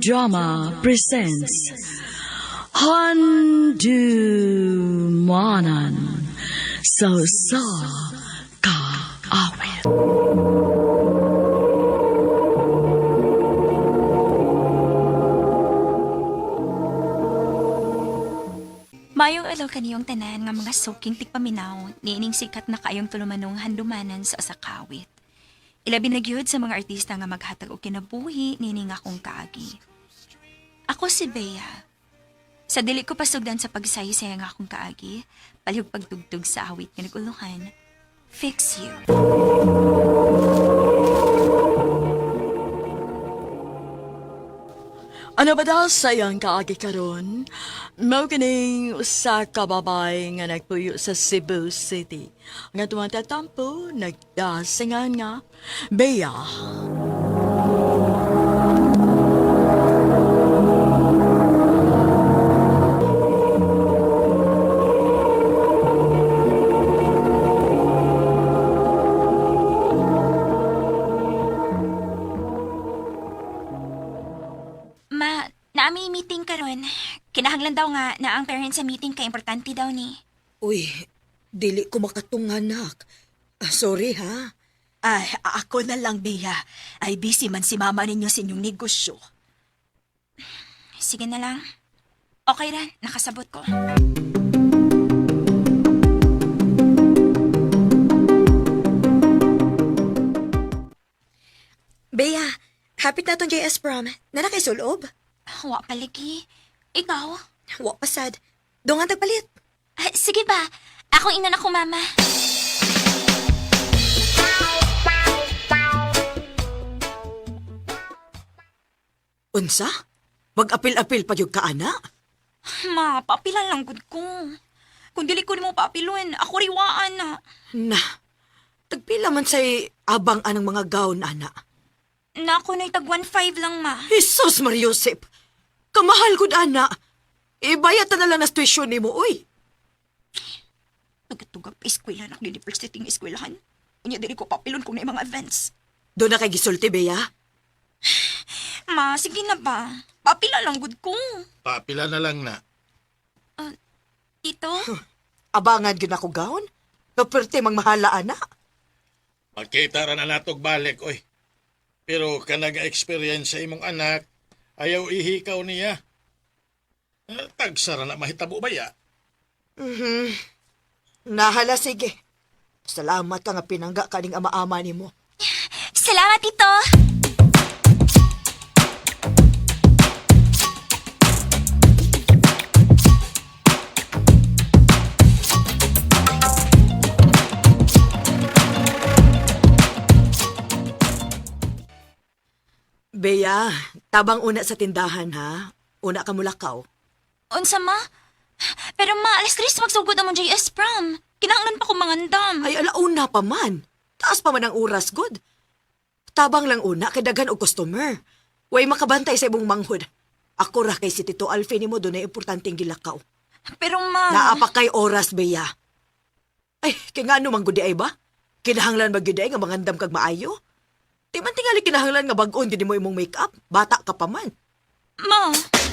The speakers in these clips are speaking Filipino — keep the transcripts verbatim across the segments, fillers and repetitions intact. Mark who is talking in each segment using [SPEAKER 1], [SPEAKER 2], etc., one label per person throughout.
[SPEAKER 1] Drama presents Handumanan So Sa Ka Awit.
[SPEAKER 2] Mayong alaw kaniyong tanan nga mga suking tikpaminaw, niining sikat na kayong tulumanong handumanan sa asakawit. Ilabi na gyud sa mga artista nga maghatag og kinabuhi niining akong kaagi. Ako si Bea. Sa dili ko pasugdan sa pagsaysayan nga akong kaagi, palihog pagtugtog sa awit nga naguluhan, Fix You.
[SPEAKER 1] Ano ba daw sayang kaagi karon? Mao kining usa ka babay nga nagpuyo sa Cebu City. Nga tumatatampo, nagdasingan nga, Bea.
[SPEAKER 2] Ma, naami meeting karon. Kinahanglan daw nga na ang parents sa meeting kay importante daw ni.
[SPEAKER 3] Uy, dili ko makatungan, nak. Ah, sorry, ha?
[SPEAKER 4] Ay, ako na lang, Bea. Ay, busy man si mama ninyo sa inyong negosyo.
[SPEAKER 2] Sige na lang. Okay ra, nakasabot ko.
[SPEAKER 3] Bea, hapit na tong J S prom. Nana kay sulob?
[SPEAKER 2] Wa palagi. Ikaw?
[SPEAKER 3] Wa pasad. Dungan tagpalit.
[SPEAKER 2] Ah, sige ba? Ako ina na ko, mama.
[SPEAKER 3] Unsa? Mag-apil-apil pa yung kaana?
[SPEAKER 2] Ma, papilan lang gud ko. Kung dili ko nimo papilon, ako riwaan na.
[SPEAKER 3] Na, tagpila man say abang anang mga gown, ana.
[SPEAKER 2] Na ako na'y tag one five lang, ma.
[SPEAKER 3] Jesus Mariosep! Kamahal gud, ana. Ibayat na lang na tuition ni mo, uy.
[SPEAKER 4] Nagatugap eskwela na university ng eskwelahan. Unya, dili ko papilon kung na mga events.
[SPEAKER 3] Doon na kay gisulti, Bea.
[SPEAKER 2] Ma, sige na ba? Papila lang gud ko.
[SPEAKER 5] Papila na lang na.
[SPEAKER 2] Tito?
[SPEAKER 3] Abangan gud ako gown. Kaperte mang mahala, ana.
[SPEAKER 5] Magkita ra na natog balik, oy. Pero kanang experience sa imong anak, ayaw ihikaw niya. Uh, tagsara na mahitabo ba ya?
[SPEAKER 3] Mhm. Nahala, sige. Salamat ka nga pinangga kaning ama-ama ni mo.
[SPEAKER 2] Salamat, Tito!
[SPEAKER 3] Bea, tabang una sa tindahan, ha? Una ka mulakaw.
[SPEAKER 2] Unsa, ma? Pero ma, alas tres magsugod among J S prom. Kinahanglan pa ko mangandam.
[SPEAKER 3] Ay, alauna pa man. Taas pa man ang oras, good. Tabang lang una, kay daghan og customer. Way makabantay sa imong manghod. Ako ra kay si Tito Alfie ni mo doon ay importanteng gilakaw.
[SPEAKER 2] Pero ma...
[SPEAKER 3] Naapa kay oras, Bea. Ay, kay nga ano manggudi ay ba? Kinahanglan magyud ay nga mangandam kag maayo? Di man tingali kinahanglan nga bag-on din mo imong make-up. Bata ka pa man.
[SPEAKER 2] Ma...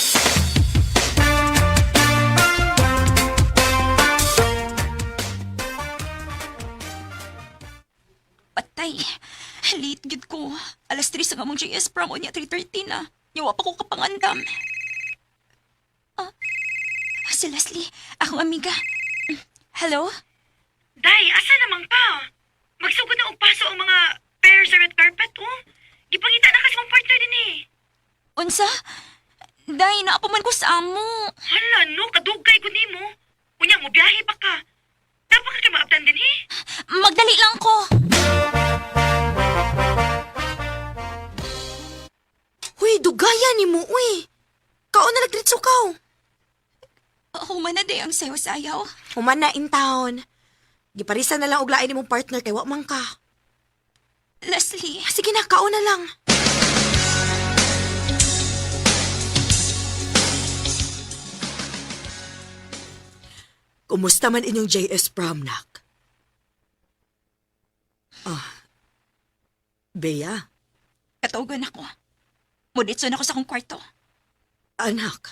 [SPEAKER 2] Patay. Late gid ko. Alas tres ang among J S prom o niya three thirty na. Yawa pa ko kapangandam. Ah, si Leslie, akong amiga. Hello?
[SPEAKER 6] Day, asa namang pa? Magsugod na og paso ang mga pair sa red carpet, oh. Gipangita na kasi mong partner din eh.
[SPEAKER 2] Unsa? Day, naapaman ko sa amo.
[SPEAKER 6] Hala, no, kadugay ko nimo. Unya mo, biyahe pa ka. Dapat ka kayo maabtan din eh.
[SPEAKER 2] Magdali lang ko.
[SPEAKER 3] Huy, dugaya ni mo, uy. Kaon na nagritso kaw.
[SPEAKER 2] Human na day ang sayo-sayaw.
[SPEAKER 3] Human na in town. Giparisan na lang og lain nimong partner kay wa man ka.
[SPEAKER 2] Leslie,
[SPEAKER 3] Sige na, kaon na lang. Kumusta man inyong J S prom, nak? Ah, Bea,
[SPEAKER 2] katugan ako. Muditson ako sa akong kwarto.
[SPEAKER 3] Anak,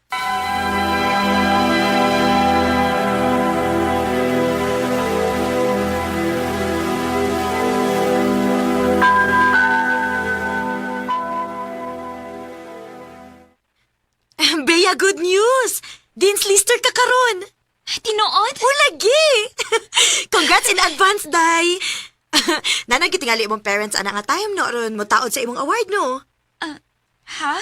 [SPEAKER 3] Bea, good news! Dean's Lister ka karon.
[SPEAKER 2] Tinuod?
[SPEAKER 3] O, lagi! Congrats in advance, Day! Nanang kitingali imong parents anak nga time no ron mo taod sa imong award, no?
[SPEAKER 2] Ha?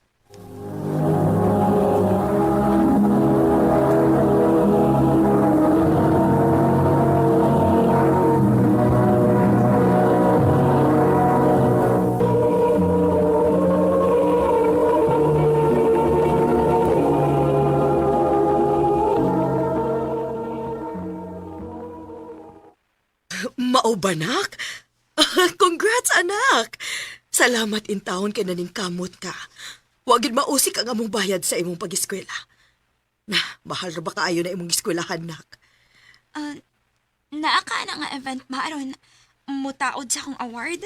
[SPEAKER 3] Mao ba, nak? Congrats, anak! Salamat in taon kay naning kamot ka. Wagid mausik ang among bayad sa imong pag-eskwela. Na, mahal ra ba kaayo na imong eskwelahan, nak?
[SPEAKER 2] Uh, naaka na nga event maaron mutaod sa akong award.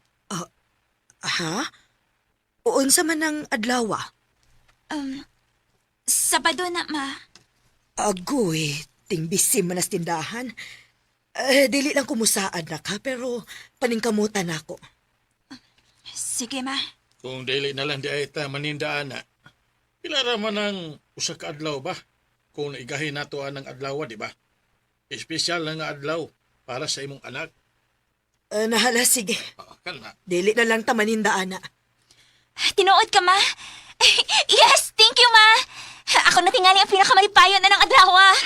[SPEAKER 3] Ha? Uon sa man ang adlawa?
[SPEAKER 2] Um, Sabado na, ma.
[SPEAKER 3] Agoy, tingbisi man as tindahan. Eh, dili lang kumusaan na ka, pero paningkamutan ako.
[SPEAKER 2] Sige, ma.
[SPEAKER 5] Kung dili na lang di ay ta manindaan na. Pila ra man ang usa ka adlaw ba? Kung naigahin nato ang adlaw, di ba? Espesyal na nga adlaw para sa imong anak.
[SPEAKER 3] Eh, nahala, sige.
[SPEAKER 5] Ah, kana.
[SPEAKER 3] Dili na lang tamanindaan na.
[SPEAKER 2] Tinuod ka, ma. Yes, thank you, ma. Ako na tingali ang pinakamalipayon na ng adlaw, ah.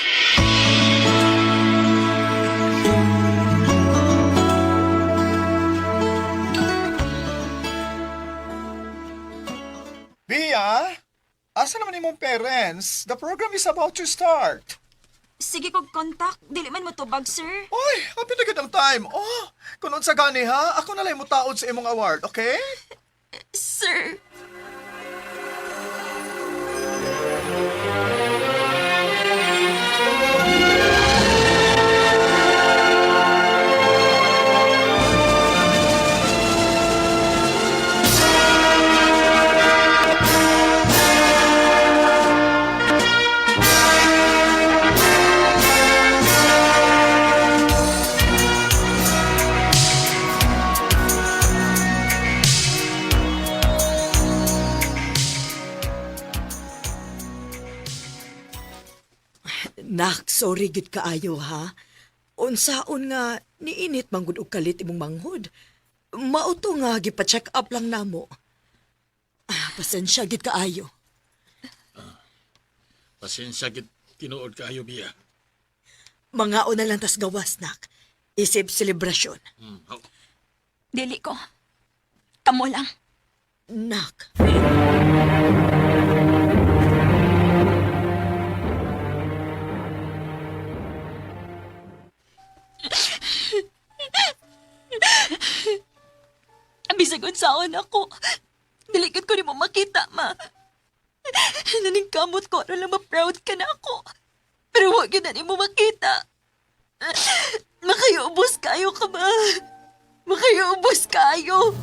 [SPEAKER 7] Bia, asa naman imong parents? The program is about to start.
[SPEAKER 2] Sige kog contact. Dili man mo tubag, sir.
[SPEAKER 7] Oy, happy na ang time. Oh, kung sa gani ha, ako na lang mo taod sa imong award, okay?
[SPEAKER 2] Sir.
[SPEAKER 3] Nak, sorry gid kaayo ha. Unsaon nga niinit manggod og kalit imong manghod. Mauto nga gipa-check up lang namo. Ah, pasensya gid kaayo.
[SPEAKER 5] Pasensya gid tinuod kaayo, Bia.
[SPEAKER 3] Mga na lang tas gawas, nak. Isip selebrasyon.
[SPEAKER 5] Hmm. Oh.
[SPEAKER 2] Dili ko. Kamo lang.
[SPEAKER 3] Nak.
[SPEAKER 2] Bisag unsaon ako. Dilikod ko ni mo makita, ma. Naningkamot ko ano lang ma-proud ka na ako. Pero huwag yun na ni mo makita. Makayubos kayo ka ba? Makayubos kayo.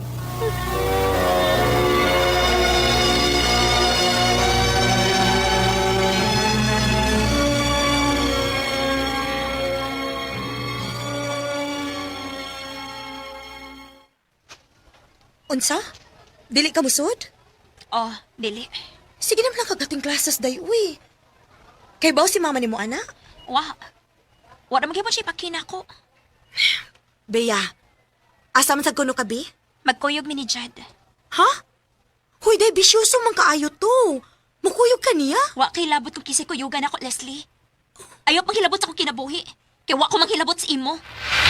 [SPEAKER 3] Unsa? Dili ka musod?
[SPEAKER 2] Oh, dili.
[SPEAKER 3] Sige naman lang kagating classes day, uy. Kay baw si mama ni mo, anak?
[SPEAKER 2] Wa. Wa naman kayo siya ipakina ko.
[SPEAKER 3] Bea, asa man sa kuno ka, Bi?
[SPEAKER 2] Magkuyog mi ni Jad.
[SPEAKER 3] Ha? Huy, day, bisyoso man kaayo to. Mukuyog ka niya?
[SPEAKER 2] Wa kay labot kung kisay kuyugan ako, Leslie. Ayaw pang hilabot sa akong kinabuhi. Kaya wa ko manghilabot sa imo.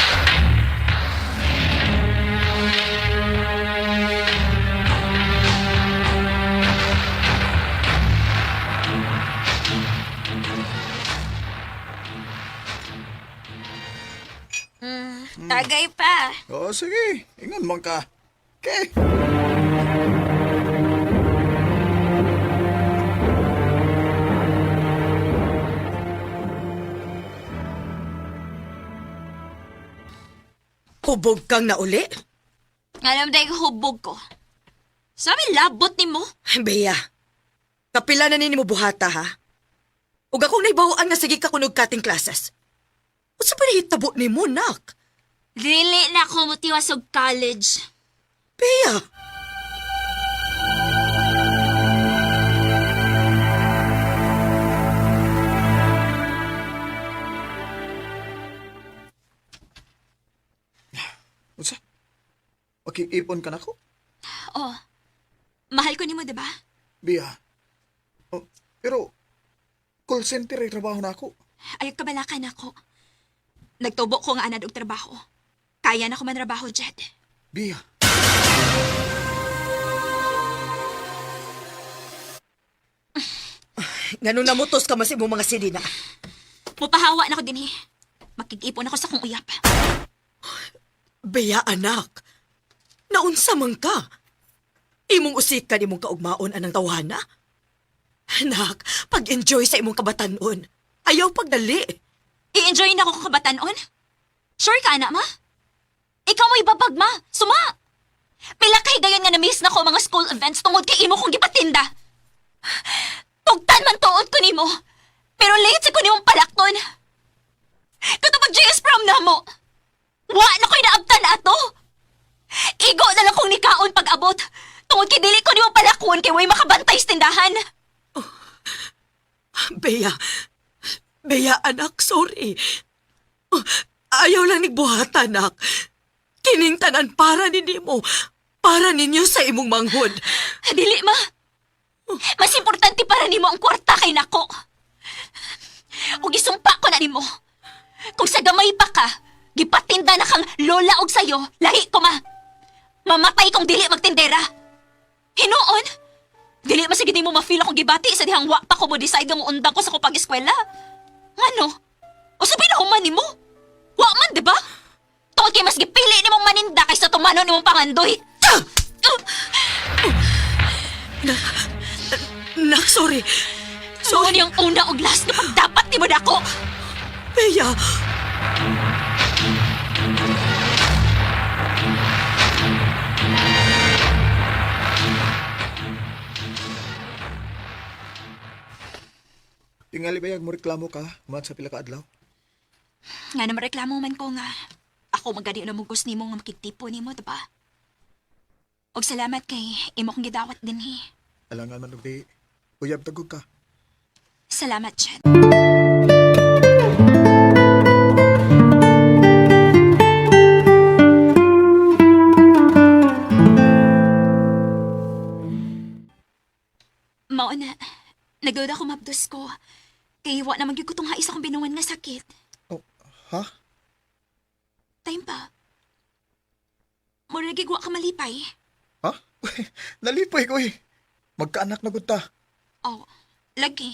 [SPEAKER 2] Hmm, tagay pa.
[SPEAKER 7] Oh, sige. Ingon man ka. Okay.
[SPEAKER 3] Hubog kang nauli?
[SPEAKER 2] Alam dahil hubog ko. Sabi labot ni mo.
[SPEAKER 3] Bea, Kapila na nini mo buhata, ha? Ug akong naibawaan nga sige ka kunog kating classes. Usa pa nahitabo ni mo, nak?
[SPEAKER 8] Dili na ako mutiwas og college.
[SPEAKER 3] Bea,
[SPEAKER 7] Unsa? Makikipon ka na ko?
[SPEAKER 2] Oh, mahal ko nimo, di ba?
[SPEAKER 7] Bia. Oh, pero, call center ay trabaho na ako.
[SPEAKER 2] Ayaw kabalakan ako. Nagtubo ko nga anad og trabaho. Kaya na ko man trabaho, Jed.
[SPEAKER 7] Bia.
[SPEAKER 3] ngano namutos ka mas imong mga sidina.
[SPEAKER 2] Mupahawa na ko din eh. Makikipon ako sa kong uyap.
[SPEAKER 3] Bea, anak. Naunsa man ka? Imong usik ka imong kaugmaon anang tawhana? Anak, pag-enjoy sa imong kabatanon. Ayaw pagdali.
[SPEAKER 2] I-enjoy na ako kabatanon? Sure ka, anak ma? Ikaw mo ibabag, ma. Suma! Pila kay gayon nga na-miss na ko mga school events tungod kay imo kong gipatinda. Tugtan man tuod ko nimo. Pero late sa ko nimong palakton. Katapag J S prom na mo. Wa na ko'y naabtan na ato. Igo na lang kong nikaon pag-abot. Tungod kay dili ko nimong palakon kay way makabantay sa tindahan.
[SPEAKER 3] Bea, Bea, anak, sorry. Oh, ayaw lang nigbuhat, anak. Kining tanan para ninyo mo. Para ninyo sa imong manghod.
[SPEAKER 2] Dili, ma. Mas importante para nimo ang kwarta kay nako. O gisumpa ko na nimo. Kung sa gamay pa ka, gipatinda na kang lola og sayo, lahi ko ma. Mamatay kong dili magtindera. Hinuon? Dili masige nimo ma-feel akong gibati sa dihang wa pa ko mo decide nga undang ko sa ko pag-eskwela. Ngano? O sabi na human nimo? Wa man, di ba? Tungod kay mas gipili nimong maninda kaysa tumano nimong pangandoy.
[SPEAKER 3] Nak, sorry.
[SPEAKER 2] So, ano yung una og last na pagdapat ni mo dako?
[SPEAKER 3] Bea,
[SPEAKER 7] Tingali bayag mo reklamo ka, man sa pila ka adlaw.
[SPEAKER 2] Nga naman reklamo man ko nga. Ako magadi na mugos ni mo nga makitipo ni mo, diba? Og salamat kay imo kong gidawat din eh.
[SPEAKER 7] Alangan man og di. Uyab tagog ka.
[SPEAKER 2] Salamat, Chad. Mao na, nagduda ko mabdos ko. Kay wa na magyud ko tong hais akong binungan nga sakit.
[SPEAKER 7] Oh, ha?
[SPEAKER 2] Time pa. Mura nagigwa ka malipay.
[SPEAKER 7] Ha? Nalipay ko eh. Magkaanak na gud ta.
[SPEAKER 2] Oh, lagi.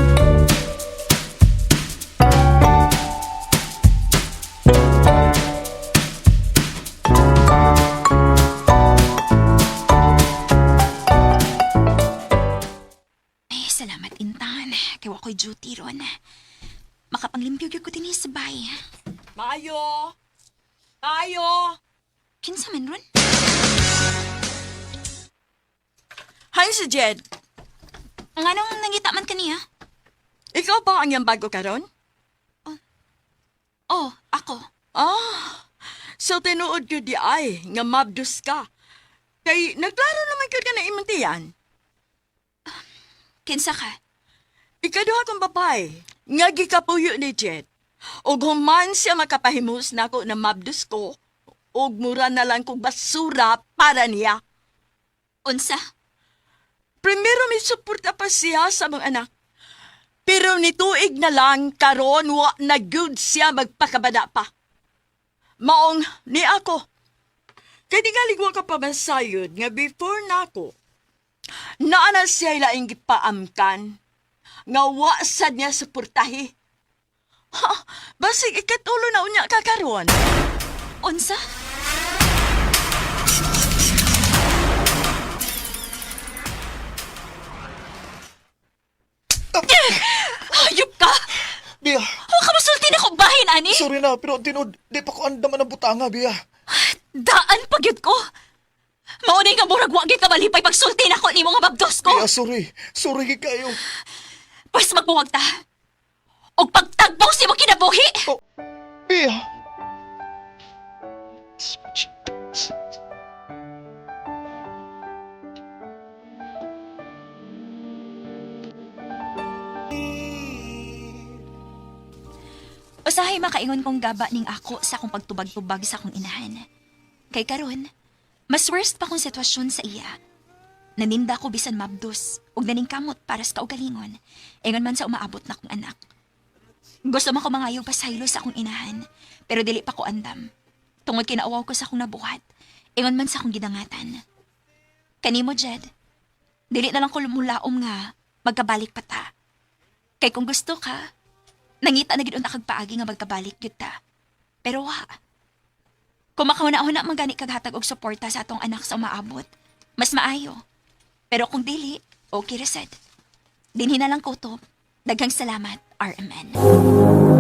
[SPEAKER 2] Ay, salamat, Intan. Kaya ako'y duty ron. Makapanglimpyo gyud ko din sa bay.
[SPEAKER 1] Mayo! Mayo!
[SPEAKER 2] Kinsa man ron?
[SPEAKER 1] Hi, si Jed.
[SPEAKER 2] Nga nung nangita man kaniya?
[SPEAKER 1] Ikaw ba ang yung bago karon?
[SPEAKER 2] Oh, ako.
[SPEAKER 1] Ah, so tinuod ko di ay, nga mabdus ka. Kay naglaro naman ko ka na imantiyan.
[SPEAKER 2] Kinsa ka?
[SPEAKER 1] Ikaduha kong babay, nga gikapuyo ni Jed. Og human siya makapahimus na ako na mabdus ko, og mura na lang kong basura para niya.
[SPEAKER 2] Unsa?
[SPEAKER 1] Primero may suporta pa siya sa mga anak. Pero nituig na lang karon wa na good siya magpakabada pa. Maong ni ako. Kaya di galigwa ka pa masayod nga before na ako. Naana siya ilaing gipaamkan. Nga wa sad niya suportahi. Ha, basig ikatulo na unya ka karon.
[SPEAKER 2] Unsa? Hayop ka!
[SPEAKER 7] Bia,
[SPEAKER 2] Huwag ka masulti na kong bahin, ani!
[SPEAKER 7] sorry na, pero tinod, di pa ko andaman ang butanga, Bia.
[SPEAKER 2] Daan pagyud ko! Maunay nga murag wagi ka malipay pagsulti na ko ni mga mabdos ko.
[SPEAKER 7] Bea, sorry. Sorry gid kayo.
[SPEAKER 2] Pwes magbuwag ta. Og pagtagbaw si mo kinabuhi.
[SPEAKER 7] Bea.
[SPEAKER 2] Usahay makaingon kong gaba ning ako sa akong pagtubag-tubag sa akong inahan. Kay karon, mas worst pa kong sitwasyon sa iya. Naninda ko bisan mabdos ug naning kamot para sa kaugalingon. Ingon man sa umaabot na kong anak. Gusto man ko mangayong pasaylo sa akong inahan, pero dili pa ko andam. Tungod kinaawaw ko sa akong nabuhat, ingon man sa akong gidangatan. Kanimo, Jed, dili na lang ko lumulaom nga magkabalik pa ta. Kay kung gusto ka, nangita na gid unta kag paagi nga magkabalik gyud ta. Pero wa. Kung makauna-una man gani kag hatag og suporta sa atong anak sa umaabot, mas maayo. Pero kung dili, okay ra sad. Dinhi na lang ko to. Daghang salamat, R M N.